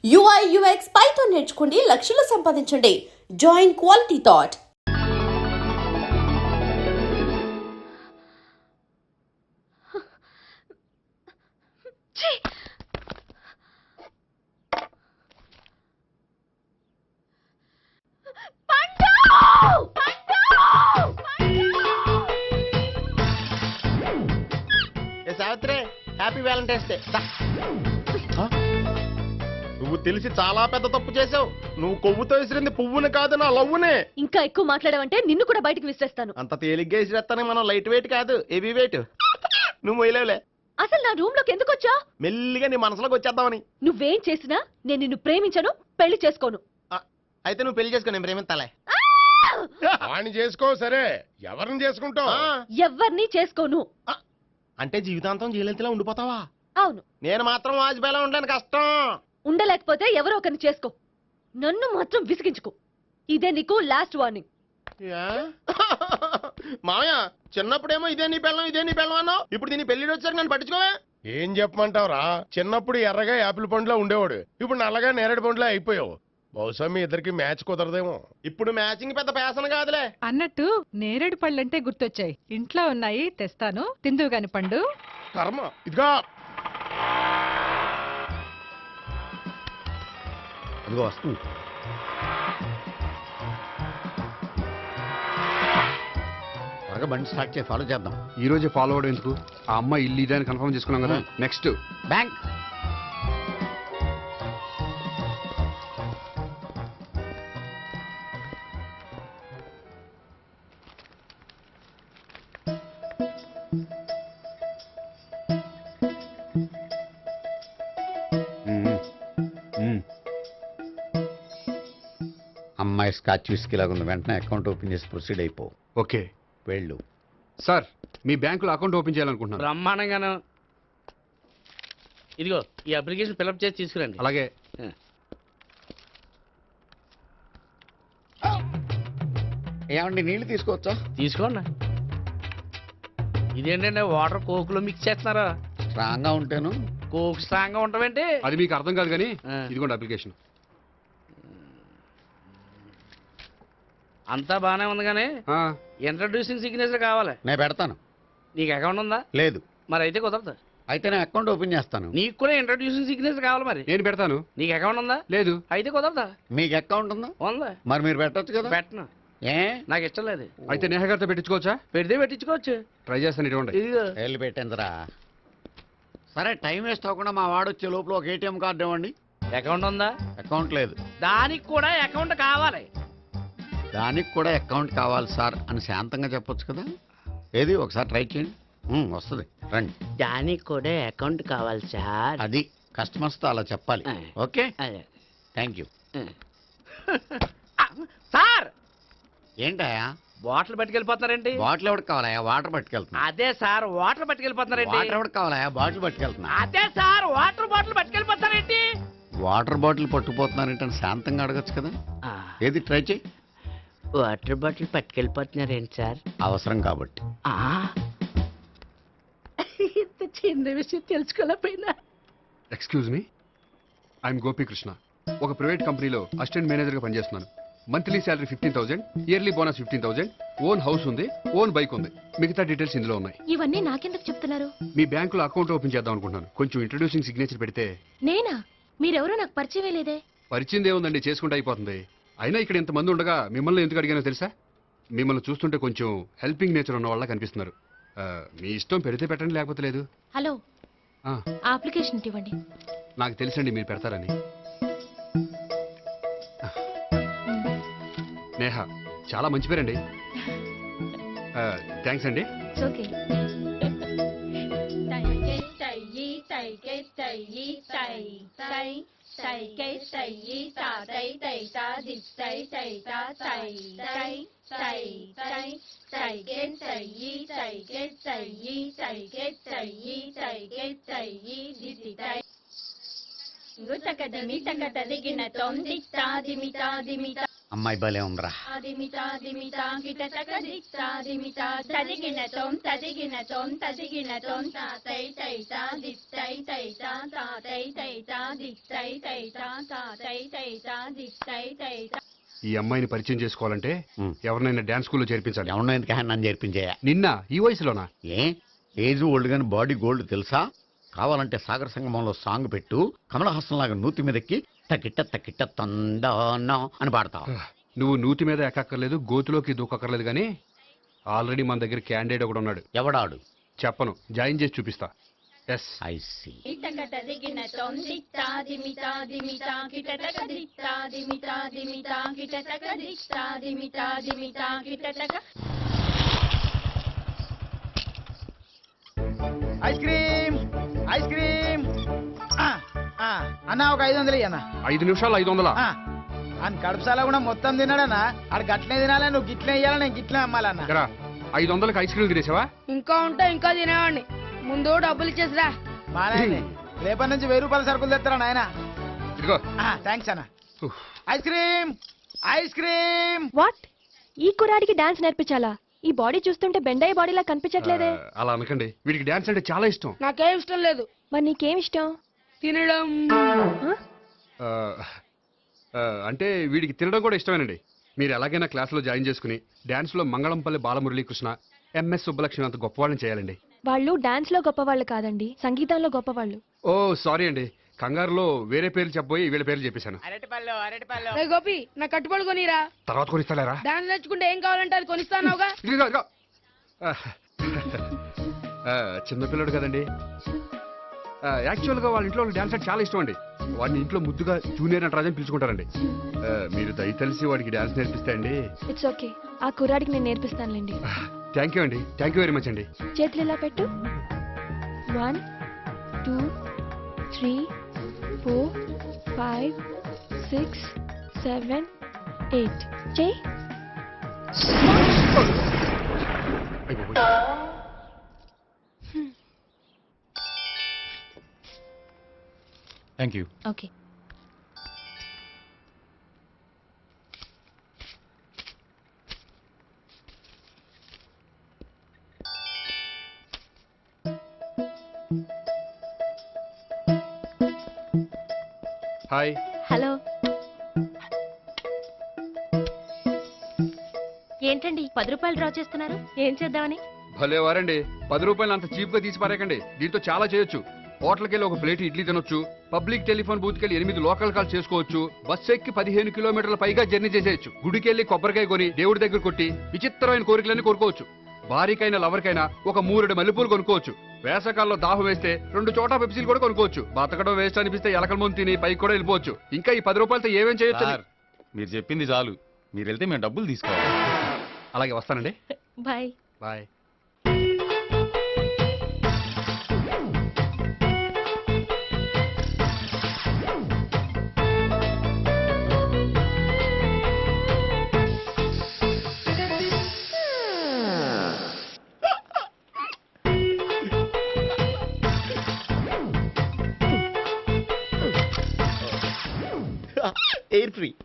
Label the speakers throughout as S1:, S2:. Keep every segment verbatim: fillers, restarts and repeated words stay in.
S1: UI UX Python నేర్చుకోండి, లక్షలు సంపాదించండి. Join Quality Thought.
S2: Savitri, happy Valentine's day. నువ్వు తెలిసి చాలా పెద్ద తప్పు చేసావు. నువ్వు కొవ్వుతో విసిరింది పువ్వుని కాదు, నా లవ్వునే.
S3: ఇంకా ఎక్కువ మాట్లాడావంటే నిన్ను కూడా బయటికి విసిరేస్తాను.
S2: అంత తేలిగ్గా విసిరేస్తానే, మనం లైట్ వెయిట్ కాదు, హెవీ వెయిట్. నువ్వు మొయ్యలేవులే.
S3: అసలు నా రూమ్ లోకి ఎందుకు వచ్చా?
S2: మెల్లిగా నీ మనసులోకి వచ్చేద్దామని.
S3: నువ్వేం చేసినా నేను నిన్ను ప్రేమించను, పెళ్లి చేసుకోను.
S2: అయితే నువ్వు పెళ్లి చేసుకో, నేను ప్రేమిస్తాలే.
S4: వాణ్ణి చేసుకో. సరే, ఎవరిని చేసుకుంటావు?
S3: ఎవరిని చేసుకోను.
S2: అంటే జీవితాంతం జయలలితలా ఉండిపోతావా?
S3: అవును.
S2: నేను మాత్రం వాజ్పేయిలా ఉండడానికి కష్టం.
S3: ఉండలేకపోతే ఎవరో ఒకరిని చేసుకో, నన్ను మాత్రం విసిగించుకో. ఇదే నీకు లాస్ట్ వార్నింగ్.
S2: మామయ్య, చిన్నప్పుడేమో ఇదే నీ పెళ్ళం ఇదే నీ పెళ్ళం అన్నావు, ఇప్పుడు దీని పెళ్లి వచ్చారు నన్ను పట్టించుకోవే.
S4: ఏం చెప్పమంటావురా? చిన్నప్పుడు ఎర్రగా యాపిల్ పండులో ఉండేవాడు, ఇప్పుడు నల్లగా నేరేడు పండులో అయిపోయావు. బహుశా మీ ఇద్దరికి మ్యాచ్ కుదరదేమో.
S2: ఇప్పుడు మ్యాచింగ్ పెద్ద ఫ్యాషన్ కాదులే.
S5: అన్నట్టు నేరేడు పళ్ళంటే గుర్తొచ్చాయి. ఇంట్లో ఉన్నాయి, తెస్తాను, తిందువు గాని పండు.
S4: కర్మ. ఇదిగా
S2: అదిగో వస్తుంది. త్వరగా బండి స్టార్ట్ చేసి ఫాలో చేద్దాం.
S6: ఈ రోజే ఫాలో అవడం ఎందుకు? ఆ అమ్మాయి ఇల్లు ఇదే అని కన్ఫర్మ్ చేసుకున్నాం కదా. Next
S2: bank.
S7: అమ్మాయి స్కాచ్ విస్కీ లాగా ఉంది. వెంటనే అకౌంట్ ఓపెన్ చేసి ప్రొసీడ్ అయిపో.
S6: ఓకే.
S7: వెళ్ళు.
S6: సార్, మీ బ్యాంకులో అకౌంట్ ఓపెన్ చేయాలనుకుంటున్నాను.
S8: బ్రహ్మాండంగాను. ఇదిగో ఈ అప్లికేషన్ ఫిల్అప్ చేసి తీసుకురండి.
S6: అలాగే.
S7: ఏమండి, నీళ్లు తీసుకోవచ్చా?
S8: తీసుకోండి. ఇదేంటంటే వాటర్ కోక్లో మిక్స్ చేస్తున్నారా?
S7: స్ట్రాంగ్ గా ఉంటాను.
S8: కోక్ స్ట్రాంగ్ గా ఉంటావేంటి?
S6: అది మీకు అర్థం కాదు కానీ
S8: ఆ.
S6: ఇదిగోండి అప్లికేషన్.
S8: అంతా బానే ఉంది కానీ
S6: ఆ,
S8: ఇంట్రడ్యూసింగ్ సిగ్నేచర్ కావాలి.
S7: నేను పెడతాను.
S8: నీకు అకౌంట్ ఉందా?
S7: లేదు.
S8: మరి అయితే కుదరదు.
S7: అయితే నేను అకౌంట్ ఓపెన్ చేస్తాను.
S8: నీకు కూడా ఇంట్రడ్యూసింగ్ సిగ్నేచర్ కావాలి. మరి
S6: నేను పెడతాను.
S8: నీకు అకౌంట్ ఉందా?
S6: లేదు.
S8: అయితే కుదరదా?
S7: మీకు అకౌంట్ ఉందా?
S8: ఉందా?
S7: మరి మీరు పెట్టొచ్చు కదా.
S8: పెట్టను.
S7: ఏ
S8: నాకు ఇష్టం లేదు.
S6: అయితే నేహ గారితో పెట్టించుకోవచ్చా?
S8: పెడితే పెట్టించుకోవచ్చు.
S6: ట్రై చేస్తాను. ఇటువంటి
S8: ఇదిగో
S7: వెళ్ళి పెట్టిందిరా. సరే, టైం వేస్ట్ అవ్వకుండా మా వాడు వచ్చే లోపల ఒక ఏటీఎం కార్డు ఇవ్వండి.
S8: అకౌంట్ ఉందా?
S7: అకౌంట్ లేదు.
S8: దానికి కూడా అకౌంట్ కావాలి.
S7: దానికి కూడా అకౌంట్ కావాలి సార్ అని శాంతంగా చెప్పొచ్చు కదా. ఏది ఒకసారి ట్రై చేయండి. ఉమ్, వస్తుంది, రండి.
S8: దానికి కూడా అకౌంట్ కావాలి సార్.
S7: అది కస్టమర్స్తో అలా చెప్పాలి. Okay, thank you.
S8: సార్,
S7: ఏంటయా
S8: బాటిల్ పట్టుకెళ్ళిపోతున్నారేంటి?
S7: బాటిల్ ఎవరికి కావాలయా? వాటర్ పట్టుకెళ్తున్నా.
S8: అదే సార్, వాటర్ పట్టుకెళ్ళిపోతున్నారేంటి?
S7: వాటర్ ఎవరికి కావాలయా? బాటిల్ పట్టుకెళ్తున్నా.
S8: అదే సార్, వాటర్ బాటిల్ పట్టుకెళ్ళిపోతారేంటి?
S7: వాటర్ బాటిల్ పట్టుకుపోతున్నారంటే శాంతంగా అడగచ్చు కదా. ఏది ట్రై చేయి.
S8: వాటర్ బాటిల్ పట్టుకెళ్ళిపోతున్నారేంటి సార్?
S7: అవసరం కాబట్టి.
S8: ఇంత చిన్న విషయం తెలుసుకోలేకపోయినా.
S6: Excuse me, I'm Gopikrishna. ఒక ప్రైవేట్ కంపెనీలో అసిస్టెంట్ మేనేజర్గా పనిచేస్తున్నాను. Monthly salary fifteen thousand, yearly bonus fifteen thousand, own house ఉంది, ఓన్ బైక్ ఉంది. మిగతా డీటెయిల్స్ ఇందులో ఉన్నాయి.
S3: ఇవన్నీ నాకెందుకు చెప్తున్నారు?
S6: మీ బ్యాంకులో అకౌంట్ ఓపెన్ చేద్దాం అనుకుంటున్నాను. కొంచెం ఇంట్రడ్యూసింగ్ సిగ్నేచర్ పెడితే.
S3: నేనా? మీరెవరో నాకు పరిచయం లేదే.
S6: పరిచయం ఏముందండి, చేసుకుంటే అయిపోతుంది. అయినా ఇక్కడ ఇంతమంది ఉండగా మిమ్మల్ని ఎందుకు అడిగానో తెలుసా? మిమ్మల్ని చూస్తుంటే కొంచెం హెల్పింగ్ నేచర్ ఉన్న వాళ్ళ కనిపిస్తున్నారు. ఆ, మీ ఇష్టం పెడితే పెట్టండి, లేకపోతే లేదు.
S3: హలో,
S6: ఆ,
S3: అప్లికేషన్ ఇవ్వండి.
S6: నాకు తెలుసండి మీరు పెడతారని. నేహ, చాలా మంచి పేరండి. థ్యాంక్స్ అండి.
S3: ఓకే.
S9: గుతకదిమి తకతదిగిన తొందిత్తా దిమితా దిమితా
S7: అమ్మాయి భలే ఉందిరా.
S9: దిమితా దిమితా గిటటక దిత్తా దిమితా తదిగిన తోం తదిగిన తోం తదిగిన తోం తాతై తైతా దిత్తై తైతా తాతై తైతా దిత్తై తైతా తాతై తైతా దిత్తై తైతా.
S6: ఈ అమ్మాయిని పరిచయం చేసుకోవాలంటే
S7: ఉమ్.
S6: ఎవరినైనా డాన్స్ స్కూల్లో చేర్పించాలి.
S7: ఎవరినో ఎందుకు నన్ను చేర్పించేయా?
S6: నిన్న ఈ వయసులోనా?
S7: ఏ ఏజ్ ఓల్డ్ గాని బాడీ గోల్డ్ తెలుసా? కావాలంటే సాగర సంగమంలో సాంగ్ పెట్టు, కమలహాసం లాగా నూతి మీదకి తకిట్ట తకిట్ట తందానా అని పాడతావు.
S6: నువ్వు నూతి మీద ఎక్కక్కర్లేదు, గోతులోకి దూకక్కర్లేదు, కానీ ఆల్రెడీ మన దగ్గర క్యాండిడేట్ ఒకడు ఉన్నాడు.
S7: ఎవడాడు?
S6: చెప్పను, జాయిన్ చేసి చూపిస్తా. ఎస్.
S7: I see.
S9: ఇటక తదిగిన తోం దిత్తా దిమితా దిమితా గిటటక దిత్తా దిమితా దిమితా గిటటక దిత్తా దిమితా దిమితా గిటటక.
S10: ఐస్ క్రీమ్ ఐస్ క్రీమ్ అన్న ఒక ఐదు వందలు అన్న.
S6: ఐదు నిమిషాలు ఐదు వందలా?
S10: అని కడుపుసాల కూడా మొత్తం తిన్నాడన్నా. ఆడు గట్లనే తినాలి, నువ్వు గిట్లే ఇయ్యాలి, నేను గిట్లే అమ్మాలన్న.
S6: ఎరా, ఐదు వందలకి ఐస్ క్రీమ్ తినేసావా?
S8: ఇంకా ఉంటే ఇంకా తినేవాడిని. ముందు డబ్బులు ఇచ్చేసిరా.
S10: మా నాయనే రేపటి నుంచి వెయ్యి రూపాయల సరుకులు తెస్తారా నాయన?
S6: ఇదిగో.
S10: థ్యాంక్స్ అన్న. Ice cream ice cream.
S3: What? ఈ కుర్రాడికి డాన్స్ నేర్పించాలా? ఈ బాడీ చూస్తుంటే బెండయ్య బాడీలా కనిపించట్లేదే.
S6: ఆ, అలా అనకండి, వీడికి డాన్స్ అంటే చాలా ఇష్టం.
S8: నాకేం ఇష్టం లేదు.
S3: మరి నీకేం ఇష్టం?
S8: తినడం.
S6: ఆ, ఆ, అంటే వీడికి తినడం కూడా ఇష్టమేనండి. మీరు ఎలాగైనా క్లాస్లో జాయిన్ చేసుకుని డాన్స్లో మంగళంపల్లి బాలమురళీకృష్ణ, ఎంఎస్ సుబ్బలక్ష్మి అంత గొప్పవాళ్ళని చేయాలండి.
S3: వాళ్ళు డాన్స్ లో గొప్పవాళ్ళు కాదండి, సంగీతంలో గొప్పవాళ్ళు.
S6: ఓ సారీ అండి, కంగారులో వేరే పేర్లు చెప్పబోయి వీళ్ళ పేర్లు చెప్పేశాను.
S10: అరటిపళ్ళు అరటిపళ్ళు.
S8: రే గోపి, నా కట్టుబడి కొనిరా.
S6: తర్వాత కొనిస్తారా?
S8: డాన్స్ నేర్చుకుంటే ఏం కావాలంటే అది కొనిస్తానావుగా.
S6: ఇదిగో, ఇదిగో. ఆ, ఆ, చిన్నపిల్లడు కదండి. ఆ, యాక్చువల్గా వాళ్ళ ఇంట్లో డాన్స్ అంటే చాలా ఇష్టం అండి. వాడిని ఇంట్లో ముద్దుగా జూనియర్ నటరాజన్ పిలుచుకుంటారండి. ఆ, మీరు దయ తెలిసి వాడికి డాన్స్ నేర్పిస్తే అండి.
S3: ఇట్స్ ఓకే, ఆ కుర్రాడికి నేను నేర్పిస్తానులేండి.
S6: థ్యాంక్ యూ అండి, థ్యాంక్ యూ వెరీ మచ్ అండి.
S3: చేతులు ఇలా పెట్టు. One two three four five six seven eight. చేయి.
S2: Thank you.
S3: Okay.
S6: Hi.
S3: Hello. ఏంటండి పది రూపాయలు డ్రా చేస్తున్నారు? ఏం చేద్దామని?
S6: భలే వారండి, పది రూపాయలు అంత చీప్ గా తీసి పారేకండి. దీంతో చాలా చేయొచ్చు. హోటల్కి వెళ్ళి ఒక ప్లేట్ ఇడ్లీ తినొచ్చు, పబ్లిక్ టెలిఫోన్ బూత్కి వెళ్ళి ఎనిమిది లోకల్ కాల్ చేసుకోవచ్చు, బస్సు ఎక్కి పదిహేను కిలోమీటర్ల పైగా జర్నీ చేసేయచ్చు, గుడికి వెళ్ళి కొబ్బరికాయ కొని దేవుడి దగ్గర కొట్టి విచిత్రమైన కోరికలన్నీ కోరుకోవచ్చు, భారీకైనా లవర్కైనా ఒక మూరెడు మల్లెపూలు కొనుక్కోవచ్చు, వేసవకాలంలో దాహం వేస్తే రెండు చోట పెప్సీలు కూడా కొనుక్కోవచ్చు, బతకడం వేస్ట్ అనిపిస్తే ఎలకల ముందు తిని పైకి కూడా వెళ్ళిపోవచ్చు. ఇంకా ఈ పది రూపాయలతో ఏమేం చేయొచ్చు?
S2: మీరు చెప్పింది చాలు, మీరు వెళ్తే మేము డబ్బులు తీసుకోవాలి.
S6: అలాగే వస్తానండి.
S3: బాయ్.
S6: బాయ్.
S7: Air free.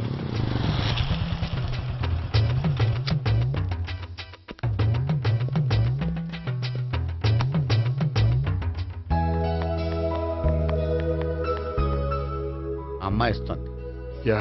S7: అమ్మాయి ఇస్తుంది.
S6: యా.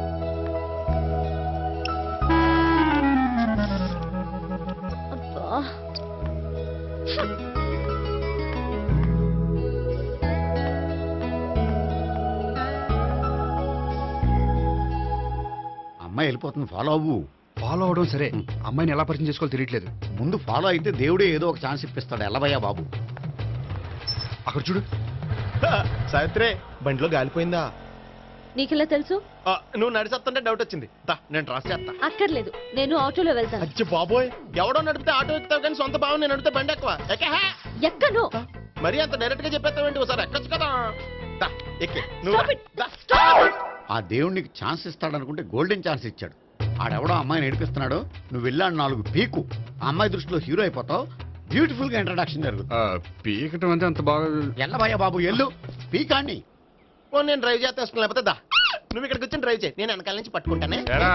S7: అమ్మాయి వెళ్ళిపోతుంది, ఫాలో అవ్వు.
S6: ఫాలో అవడం సరే, అమ్మాయిని ఎలా పరిచయం చేసుకోవాలో తెలియట్లేదు.
S7: ముందు ఫాలో అయితే దేవుడే ఏదో ఒక ఛాన్స్ ఇప్పిస్తాడు. ఎల్లవయ్యా బాబు.
S6: అక్కడ చూడు.
S2: సావిత్రి, బండిలో గాలిపోయిందా?
S3: నీకెలా తెలుసు?
S2: ఆ, నువ్వు నడిచేస్తుంటే డౌట్ వచ్చింది. దా, నేను ట్రాస్ చేస్తా.
S3: అక్కర్లేదు, నేను ఆటోలో వెళ్తాను.
S2: అచ్చి బాబోయ్, ఎవడో నడిపితే ఆటో ఎక్కుతావు కానీ సొంత భావం నేను నడిపితే బండి ఎక్కువ. ఎక్కే హే.
S3: ఎక్కను.
S2: మరి అంత డైరెక్ట్ గా చెప్పేస్తావేంటి? ఒకసారి ఎక్కొచ్చు కదా. దా, ఎక్కే నువ్వు.
S3: Stop it.
S2: దా.
S7: ఆ దేవుడికి ఛాన్స్ ఇస్తాడనుకుంటే గోల్డెన్ ఛాన్స్ ఇచ్చాడు. ఆడెవడో అమ్మాయిని నడిపిస్తున్నాడు, నువ్వు వెళ్ళాడు నాలుగు పీకు, ఆ అమ్మాయి దృష్టిలో హీరో అయిపోతావు. బ్యూటిఫుల్ గా ఇంట్రడక్షన్ జరుగుతుంది.
S6: ఆ, పీకటం అంటే అంత బాగా.
S7: ఎల్లబయ్య బాబు ఎల్లు పీకాన్ని.
S2: ఓ, నేను డ్రైవ్ చేస్తే లేకపోతే దా. నువ్వు ఇక్కడికి వచ్చి డ్రైవ్ చేయి, నేను వెనకాల నుంచి పట్టుకుంటానే.
S6: ఎరా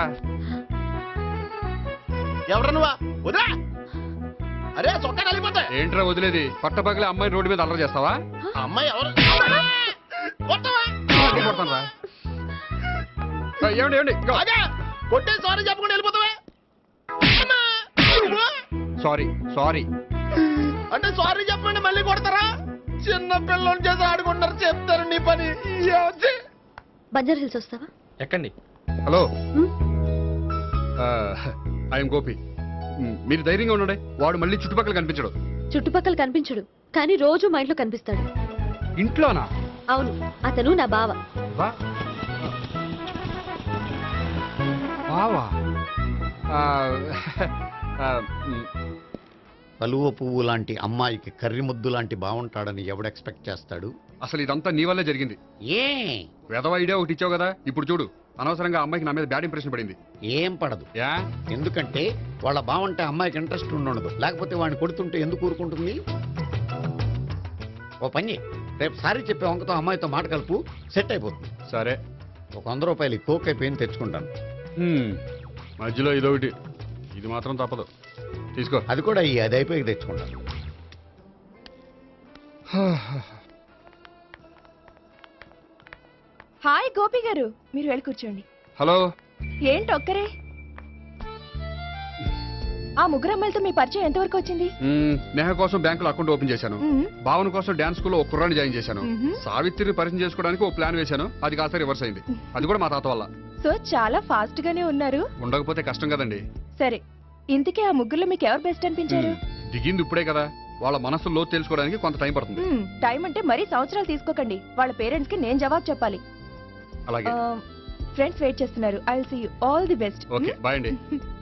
S2: ఎవరు నువ్వా? వదిలా. అరే చొక్కా కలిపోతా.
S6: ఏంట్రా వదిలేది? పట్టపగలే అమ్మాయి రోడ్డు మీద అల్లరి చేస్తావా?
S2: ఆ అమ్మాయి ఎవరు? కొట్టవా?
S6: కొడతాను రా. ఏమండి ఏమండి
S2: ఆగా. కొట్టే సారీ చెప్పకుండా వెళ్ళిపోతావా? అమ్మా. నువ్వు?
S6: Sorry sorry.
S2: అంటే సారీ చెప్పండి మళ్ళీ కొడతారా? చిన్న పిల్లలు చేసి ఆడుకుంటారు, చెప్తారు నీ పని. ఏమొచ్చి?
S3: బంజారా హిల్స్ వస్తావా?
S6: ఎక్కండి. Hello, I'm Gopi. మ్, మీరు ధైర్యంగా ఉండండి. వాడు మళ్ళీ చుట్టుపక్కల కనిపించడు.
S3: చుట్టుపక్కల కనిపించడు, కానీ రోజు మా ఇంట్లో కనిపిస్తాడు.
S6: ఇంట్లోనా?
S3: అవును, అతను నా బావ.
S6: వా బావా? ఆ, ఆ, మ్,
S7: కలువ పువ్వు లాంటి అమ్మాయికి కర్రి ముద్దు లాంటి బాగుంటాడని ఎవడు ఎక్స్పెక్ట్ చేస్తాడు?
S6: అసలు ఇదంతా నీ వల్లే జరిగింది.
S7: ఏ
S6: వెధవ ఐడియా ఒకటి ఇచ్చావు కదా, ఇప్పుడు చూడు. అనవసరంగా అమ్మాయికి నా మీద బ్యాడ్ ఇంప్రెషన్ పడింది.
S7: ఏం పడదు.
S6: యా
S7: ఎందుకంటే వాళ్ళ బాగుంటే అమ్మాయికి ఇంట్రెస్ట్ ఉండదు. లేకపోతే వాడిని కొడుతుంటే ఎందుకు ఊరుకుంటుంది? ఓ పని, రేపు సారీ చెప్పే వంకతో అమ్మాయితో మాట కలుపు, సెట్ అయిపోతుంది.
S6: సరే.
S7: ఒక వంద రూపాయలు కోక్ అయిపోయింది, తెచ్చుకుంటాను.
S6: హ్మ్, మధ్యలో ఇదొకటి. ఇది మాత్రం తప్పదు. తీసుకో.
S7: అది కూడా ఈ అది అయిపోయి తెచ్చుకుంటాను.
S8: హాయ్ గోపి గారు, మీరు వెళ్ళి కూర్చోండి.
S6: హలో.
S8: ఏంటి ఒక్కరే? ఆ ముగ్గురు అమ్మాయిలతో మీ పరిచయం ఎంతవరకు వచ్చింది?
S6: మ్, నేహ కోసం బ్యాంకులో అకౌంట్ ఓపెన్ చేశాను.
S8: మ్మ్.
S6: భావన కోసం డాన్స్ స్కూల్లో ఒక కుర్రాన్ని జాయిన్ చేశాను.
S8: మ్మ్.
S6: సావిత్రిని పరిచయం చేసుకోవడానికి ఒక ప్లాన్ వేశాను. అది కాస్త రివర్స్ అయింది. అది కూడా మా తాత వల్ల.
S8: సో చాలా ఫాస్ట్ గానే ఉన్నారు.
S6: ఉండకపోతే కష్టం కదండి.
S8: సరే, ఇంతకీ ఆ ముగ్గురులో మీకు ఎవరు బెస్ట్ అనిపించారు?
S6: మ్, దిగింది ఇప్పుడే కదా, వాళ్ళ మనసు లోతు తెలుసుకోవడానికి కొంత టైం పడుతుంది.
S8: మ్మ్, టైం అంటే మరీ సంవత్సరాలు తీసుకోకండి. వాళ్ళ పేరెంట్స్ కి నేను జవాబు చెప్పాలి.
S6: అలాగే.
S8: ఫ్రెండ్స్ వెయిట్ చేస్తున్నారు. I will see you. All the best.
S6: Okay, bye అండి.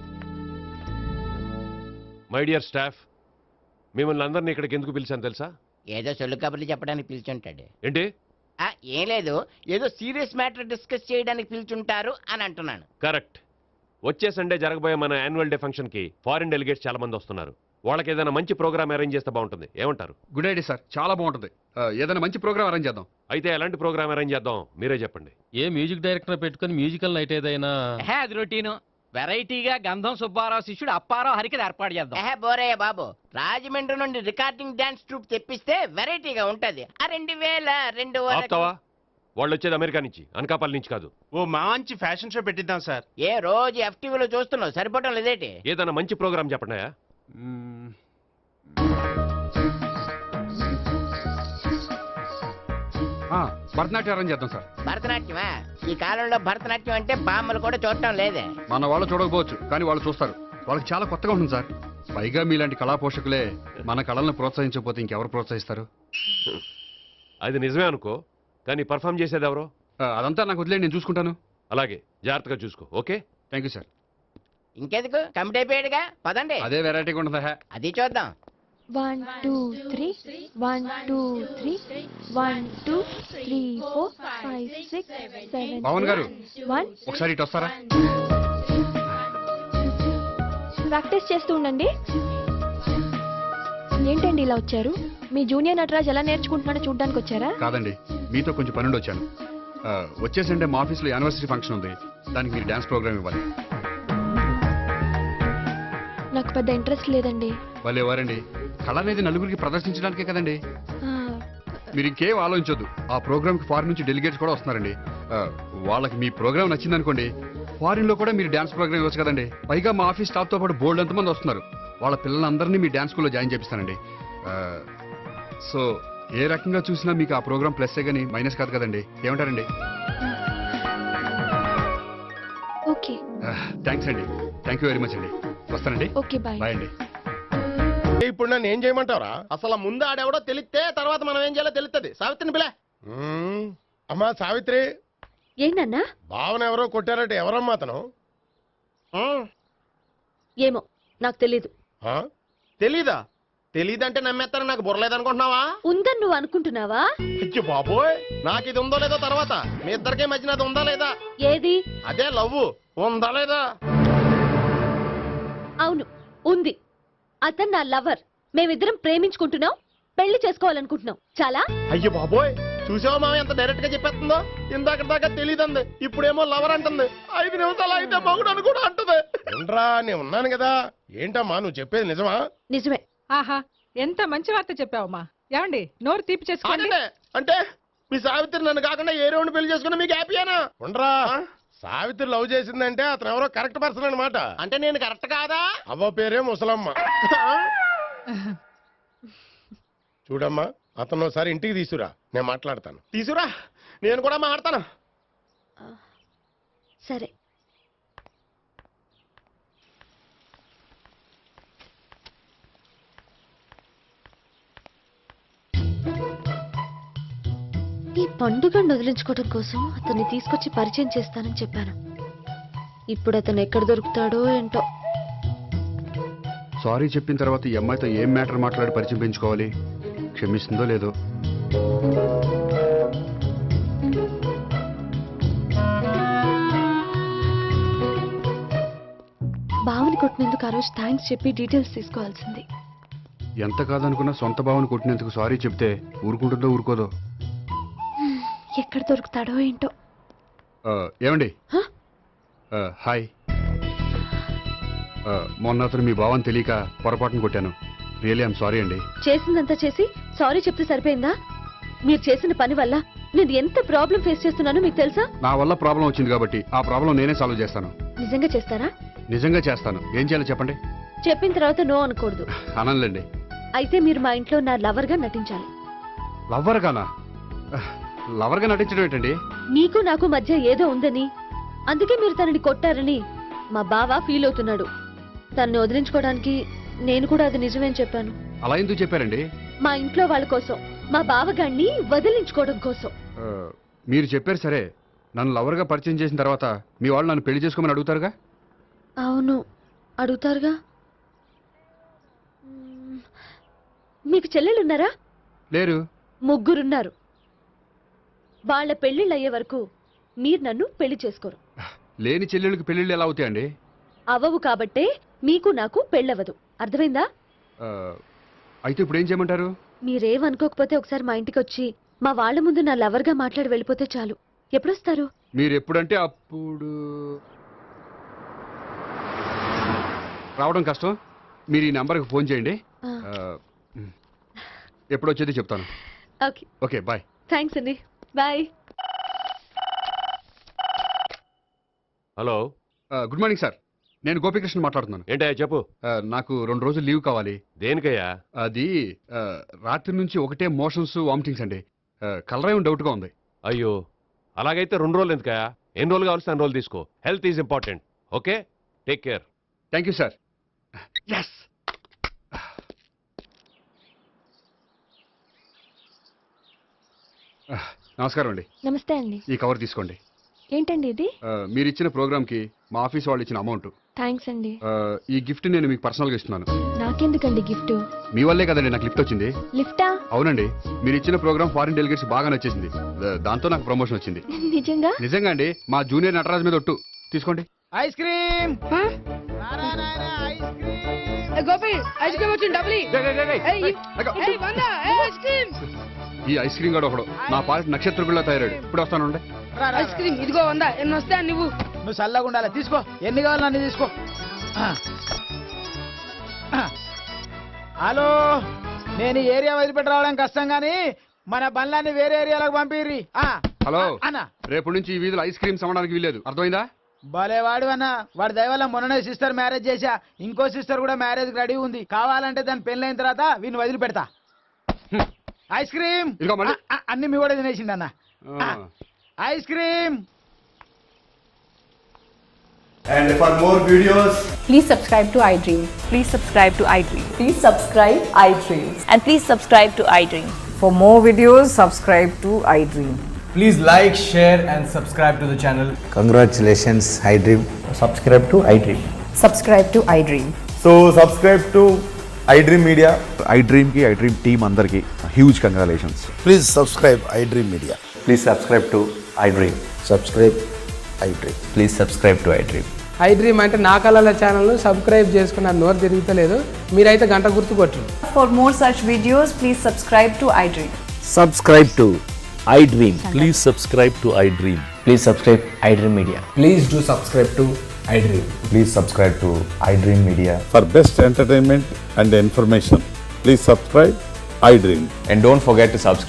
S11: మై డియర్ స్టాఫ్, మిమ్మల్ని అందరినీ ఇక్కడికి ఎందుకు పిలిచాను తెలుసా?
S10: ఏదో సొల్లు కబుర్లు చెప్పడానికి పిలిచుంటాడు.
S11: ఏంటి?
S10: ఆ, ఏం లేదు, ఏదో సీరియస్ మ్యాటర్ డిస్కస్ చేయడానికి పిలిచుంటారు అని అంటున్నాను.
S11: కరెక్ట్. వచ్చే సండే జరగబోయే మన యాన్యువల్ డే ఫంక్షన్ కి ఫారిన్ డెలిగేట్స్ చాలా మంది వస్తున్నారు. వాళ్ళకి ఏదైనా మంచి ప్రోగ్రామ్ అరేంజ్ చేస్తే బాగుంటుంది. ఏమంటారు?
S6: గుడ్ ఐడియా సార్, చాలా బాగుంటుంది. ఆ, ఏదైనా మంచి ప్రోగ్రామ్ అరేంజ్ చేద్దాం.
S11: అయితే ఎలాంటి ప్రోగ్రామ్ అరేంజ్ చేద్దాం మీరే చెప్పండి.
S12: ఏ మ్యూజిక్ డైరెక్టర్ పెట్టుకుని మ్యూజికల్ నైట్ ఏదైనా?
S10: అది రొటీను. వెరైటీగా గంధం సుబ్బారావు శిష్యుడు అప్పారావు హరికి ఏర్పాటు చేద్దాం. ఏహే బోరయ్య బాబు, రాజమండ్రి నుండి రికార్డింగ్ డాన్స్ ట్రూప్ తెప్పిస్తే వెరైటీగా ఉంటది. ఆ రెండు వేల రెండు
S11: ఆపుతావా? వాళ్ళు వచ్చేది అమెరికా నుంచి, అనకాపల్లి నుంచి కాదు.
S2: ఓ మంచి ఫ్యాషన్ షో పెట్టిద్దాం సార్.
S10: ఏ రోజు ఎఫ్టీవీలో చూస్తున్నావు, సరిపోవటం లేదేటి?
S11: ఏదైనా మంచి ప్రోగ్రామ్ చెప్పండి.
S6: ఆ, భరతనాట్యం అరేంజ్ చేద్దాం సార్.
S10: భరతనాట్యమా? ఈ కాలంలో భరతనాట్యం అంటే బామ్మలు కూడా చూడటం లేదే.
S6: మన వాళ్ళు చూడకపోవచ్చు, కానీ వాళ్ళు చూస్తారు. వాళ్ళకి చాలా కొత్తగా ఉంటుంది సార్. పైగా మీలాంటి కళా పోషకులే మన కళలను ప్రోత్సహించకపోతే ఇంకెవరు ప్రోత్సహిస్తారు?
S11: అది నిజమే అనుకో, కానీ పర్ఫామ్ చేసేది ఎవరో?
S6: ఆ, అదంతా నాకు వదిలేండి, నేను చూసుకుంటాను.
S11: అలాగే, జాగ్రత్తగా చూసుకో. Okay,
S6: thank you sir.
S10: ఇంకెందుకు, కమిటీ అయిపోయాడుగా, పదండి.
S6: అదే వెరైటీగా ఉంటుందా?
S10: అది చూద్దాం.
S8: One two three one two three one two three four five six seven
S6: Pavan గారు,
S8: వన్.
S6: ఒకసారి ఇటు వస్తారా?
S8: ప్రాక్టీస్ చేస్తూ ఉండండి. ఏంటండి ఇలా వచ్చారు? మీ జూనియర్ నటరాజ్ ఎలా నేర్చుకుంటున్నాడో చూడడానికి వచ్చారా?
S6: కాదండి, మీతో కొంచెం పనుండి వచ్చాను. ఆ, వచ్చేసంటే మా ఆఫీస్లో యానివర్సరీ ఫంక్షన్ ఉంది, దానికి మీరు డాన్స్ ప్రోగ్రామ్ ఇవ్వాలి.
S8: నాకు పెద్ద ఇంట్రెస్ట్ లేదండి.
S6: వాళ్ళు ఎవరండి? కళ అనేది నలుగురికి ప్రదర్శించడానికే కదండి.
S8: ఆ,
S6: మీరు ఇంకేం ఆలోచించొద్దు. ఆ ప్రోగ్రామ్కి ఫారిన్ నుంచి డెలిగేట్స్ కూడా వస్తున్నారండి. ఆ, వాళ్ళకి మీ ప్రోగ్రామ్ నచ్చిందనుకోండి, ఫారిన్ లో కూడా మీరు డాన్స్ ప్రోగ్రామ్ ఇవ్వచ్చు కదండి. పైగా మా ఆఫీస్ స్టాఫ్ తో పాటు బోల్డ్ ఎంతమంది వస్తున్నారు. వాళ్ళ పిల్లలందరినీ మీ డాన్స్ స్కూల్లో జాయిన్ చేపిస్తానండి. ఆ, సో ఏ రకంగా చూసినా మీకు ఆ ప్రోగ్రామ్ ప్లస్సే కానీ మైనస్ కాదు కదండి. ఏమంటారండి?
S8: ఓకే.
S6: థ్యాంక్స్ అండి, థ్యాంక్ యూ వెరీ మచ్ అండి. వస్తానండి.
S8: Okay, bye.
S6: బాయ్ అండి.
S4: ఇప్పుడు నన్ను ఏం చేయమంటావరా?
S2: అసలు ముందు ఆడెవడో తెలిస్తే తర్వాత మనం ఏం చేయాలో తెలుస్తుంది. సావిత్రిని పిల్ల.
S4: అమ్మా సావిత్రి,
S3: ఏంటన్నా?
S4: భావన ఎవరో కొట్టారట, ఎవరమ్మా అతను?
S3: ఏమో నాకు తెలీదు.
S4: ఆ?
S2: తెలీదా? తెలీదంటే నమ్మేస్తారని నాకు బుర్రలేదనుకుంటున్నావా?
S3: ఉందని నువ్వు అనుకుంటున్నావా?
S2: అయ్యో బాబోయ్, నాకు ఇది ఉందో లేదో తర్వాత. మీ ఇద్దరికే మధ్యన అది ఉందా లేదా?
S3: ఏది?
S2: అదే లవ్ ఉందా లేదా?
S3: అవును, ఉంది. అతను నా లవర్. మేమిద్దరం ప్రేమించుకుంటున్నాం, పెళ్లి చేసుకోవాలనుకుంటున్నాం. చాలా.
S2: అయ్యో బాబోయ్, చూసావా మామ ఎంత డైరెక్ట్ గా చెప్పేస్తుందో? ఇందాక దాకా తెలియదండి, ఇప్పుడేమో లవర్ అంటుంది. ఐదు నిమిషాలు అయితే మగుడు అని కూడా అంటుంది.
S4: ఏంట్రా నేను ఉన్నాను కదా. ఏంటమ్మా నువ్వు చెప్పేది నిజమా?
S3: నిజమే.
S5: ఆహా ఎంత మంచి వార్త చెప్పావమ్మా. ఏమండి నోరు తీపి చేసుకోండి.
S2: ఆగండి. అంటే మీ సావిత్రి నన్ను కాకుండా ఏ రౌండ్ పెళ్లి చేసుకున్నా మీకు హ్యాపీయేనా?
S4: ఉండరా, సావిత్రి లవ్ చేసిందంటే అతను ఎవరో కరెక్ట్ పర్సన్ అనమాట.
S2: అంటే నేను కరెక్ట్ కాదా?
S4: అవ్వ పేరే ముసలమ్మ. చూడమ్మా, అతను ఒకసారి ఇంటికి తీసుకురా, నేను మాట్లాడతాను.
S2: తీసురా, నేను కూడా మాడతాను.
S3: సరే. ఈ పండుగను వదిలించుకోవడం కోసం అతన్ని తీసుకొచ్చి పరిచయం చేస్తానని చెప్పాను. ఇప్పుడు అతను ఎక్కడ దొరుకుతాడో ఏంటో.
S6: సారీ చెప్పిన తర్వాత ఈ అమ్మాయితో ఏం మ్యాటర్ మాట్లాడి పరిచయం పెంచుకోవాలి? క్షమిస్తుందో లేదో.
S3: బావని కొట్టినందుకు ఆ రోజు థ్యాంక్స్ చెప్పి డీటెయిల్స్ తీసుకోవాల్సింది.
S6: ఎంత కాదనుకున్నా సొంత భావన కొట్టినందుకు సారీ చెప్తే ఊరుకుంటుందో ఊరుకోదో.
S3: ఎక్కడ దొరుకుతాడో ఏంటో.
S6: ఆ, ఏమండి?
S3: హ?
S6: ఆ, హాయ్. ఆ, మొన్న అతను మీ భావం తెలియక పొరపాటును కొట్టాను. రియలీ ఐఎమ్ సారీ అండి.
S3: చేసిందంతా చేసి సారీ చెప్తే సరిపోయిందా? మీరు చేసిన పని వల్ల నేను ఎంత ప్రాబ్లం ఫేస్ చేస్తున్నానో మీకు తెలుసా?
S6: నా వల్ల ప్రాబ్లం వచ్చింది కాబట్టి ఆ ప్రాబ్లం నేనే సాల్వ్ చేస్తాను.
S3: నిజంగా చేస్తారా?
S6: నిజంగా చేస్తాను. ఏం చేయాలో చెప్పండి.
S3: చెప్పిన తర్వాత నో అనకూడదు.
S6: అనంలేండి.
S3: అయితే మీరు మా ఇంట్లో నా లవర్ గా నటించాలి.
S6: లవ్వర్ గానా? లవర్గా నటించడం ఏంటండి?
S3: మీకు నాకు మధ్య ఏదో ఉందని, అందుకే మీరు తనని కొట్టారని మా బావ ఫీల్ అవుతున్నాడు. తనని వదిలించుకోవడానికి నేను కూడా అది నిజమేని చెప్పాను.
S6: అలా ఎందుకు చెప్పారండి?
S3: మా ఇంట్లో వాళ్ళ కోసం, మా బావగాన్ని వదిలించుకోవడం కోసం.
S6: ఆ, మీరు చెప్పారు సరే. నన్ను లవర్గా పరిచయం చేసిన తర్వాత మీ వాళ్ళు నన్ను పెళ్లి చేసుకోమని అడుగుతారుగా?
S3: అవును, అడుగుతారుగా. మ్మ్. మీకు చెల్లెలున్నారా?
S6: లేరు.
S3: ముగ్గురున్నారు. వాళ్ళ పెళ్లిళ్ళు అయ్యే వరకు మీరు నన్ను పెళ్లి చేసుకోరు.
S6: లేని చెల్లెళ్ళకి పెళ్లిళ్ళు ఎలా అవుతాయండి?
S3: అవ్వవు కాబట్టే మీకు నాకు పెళ్ళవదు. అర్థమైందా?
S6: ఆ, అయితే ఇప్పుడు ఏం చేయమంటారు?
S3: మీరేమనుకోకపోతే ఒకసారి మా ఇంటికి వచ్చి మా వాళ్ళ ముందు నా లవర్గా మాట్లాడి వెళ్ళిపోతే చాలు. ఎప్పుడొస్తారు?
S6: మీరు ఎప్పుడంటే అప్పుడు. రావడం కష్టం. మీరు ఈ నెంబర్కి ఫోన్ చేయండి.
S3: ఆ.
S6: ఆ, ఎప్పుడు వచ్చేది చెప్తాను.
S3: ఓకే.
S6: Okay, bye.
S3: థ్యాంక్స్ అండి. Bye.
S11: Hello.
S6: Good morning sir. నేను గోపికృష్ణ మాట్లాడుతున్నాను.
S11: ఏంటయ్యా చెప్పు.
S6: ఆ, నాకు రెండు రోజులు లీవ్ కావాలి.
S11: దేనికయ్యా?
S6: అది ఆ, రాత్రి నుంచి ఒకటే మోషన్స్ వామిటింగ్స్ అండి. కలరేం డౌట్గా ఉంది.
S11: అయ్యో, అలాగైతే రెండు రోజులు ఎందుకయ్యా? ఎన్ని రోజులు కావాల్సిన అన్ని రోజులు తీసుకో. Health is important. Okay, take care.
S6: Thank you sir. Yes. నమస్కారం అండి.
S8: నమస్తే అండి.
S6: ఈ కవర్ తీసుకోండి.
S8: ఏంటండి ఇది?
S6: ఆ, మీరు ఇచ్చిన ప్రోగ్రామ్కి మా ఆఫీస్ వాళ్ళు ఇచ్చిన అమౌంట్.
S8: థ్యాంక్స్ అండి.
S6: ఆ, ఈ గిఫ్ట్ నేను మీకు పర్సనల్గా ఇస్తున్నాను.
S8: నాకెందుకండి గిఫ్ట్?
S6: మీ వల్లే కదండి నాకు లిఫ్ట్ వచ్చింది.
S8: లిఫ్టా?
S6: అవునండి, మీరు ఇచ్చిన ప్రోగ్రామ్ ఫారిన్ డెలిగేట్స్ బాగా నచ్చేసింది. దా- దాంతో నాకు ప్రమోషన్ వచ్చింది.
S8: నిజంగా?
S6: నిజంగా అండి. మా జూనియర్ నటరాజ్ మీద ఒట్టు. తీసుకోండి.
S10: Ice cream.
S5: Gopi ice cream వచ్చింది. డబ్బులు
S6: అగో. ఈ ఐస్ క్రీమ్ గడు ఒకడు నా పాలిట నక్షత్రకుల్లా తయారాడు. ఇప్పుడు వస్తానండి.
S5: ఐస్ క్రీమ్ ఇదిగో వందా. ఎన్ని వస్తా నువ్వు?
S10: నువ్వు చల్లగా ఉండాలి. తీసుకో, ఎన్ని కావాలి అన్ని తీసుకో. ఆ. ఆ. హలో, నేను ఈ ఏరియా వదిలిపెట్టి రావడం కష్టం కానీ మన బండ్లన్నీ వేరే ఏరియాలకు పంపిర్రి. ఆ.
S6: హలో
S10: అన్న,
S6: రేపు నుంచి ఈ వీధిలో ఐస్ క్రీమ్స్ అమ్మడానికి వీలేదు. అర్థమైందా?
S10: భలే వాడు అన్న. వాడి దయ వల్ల మొన్ననే సిస్టర్ మ్యారేజ్ చేశా. ఇంకో సిస్టర్ కూడా మ్యారేజ్ రెడీ ఉంది. కావాలంటే దాని పెళ్ళైన తర్వాత వీడిని వదిలిపెడతా. ఐస్ క్రీమ్
S6: ఇదిగో మళ్ళీ.
S10: ఆ, ఆ, అన్ని మీ కూడా తినేసిండు అన్న.
S6: ఆ.
S10: Ice cream.
S13: And for more videos,
S14: please subscribe to iDream. Please subscribe to iDream.
S15: Please subscribe iDream.
S14: And please subscribe to iDream.
S15: For more videos, subscribe to iDream.
S13: please like, share and subscribe to the channel.
S16: Congratulations, iDream.
S13: Subscribe to iDream.
S15: Subscribe to iDream.
S13: So subscribe to iDream Media.
S16: iDream ki iDream team andarki huge congratulations.
S13: Please subscribe iDream Media.
S16: Please subscribe to iDream.
S13: Subscribe iDream.
S16: Please subscribe to iDream.
S17: iDream అంటే నా కళల ఛానల్ను subscribe చేసుకున్న నోరు తిరుగుతలేదు. మీరైతే గంట గుర్తు కొట్టండి.
S15: For more such videos, please subscribe to iDream.
S16: Subscribe to
S18: iDream. Please subscribe to iDream.
S13: Please subscribe iDream Media.
S17: Please do subscribe to iDream.
S13: Please subscribe to iDream Media.
S18: For best entertainment and information, please subscribe iDream.
S13: And don't forget to subscribe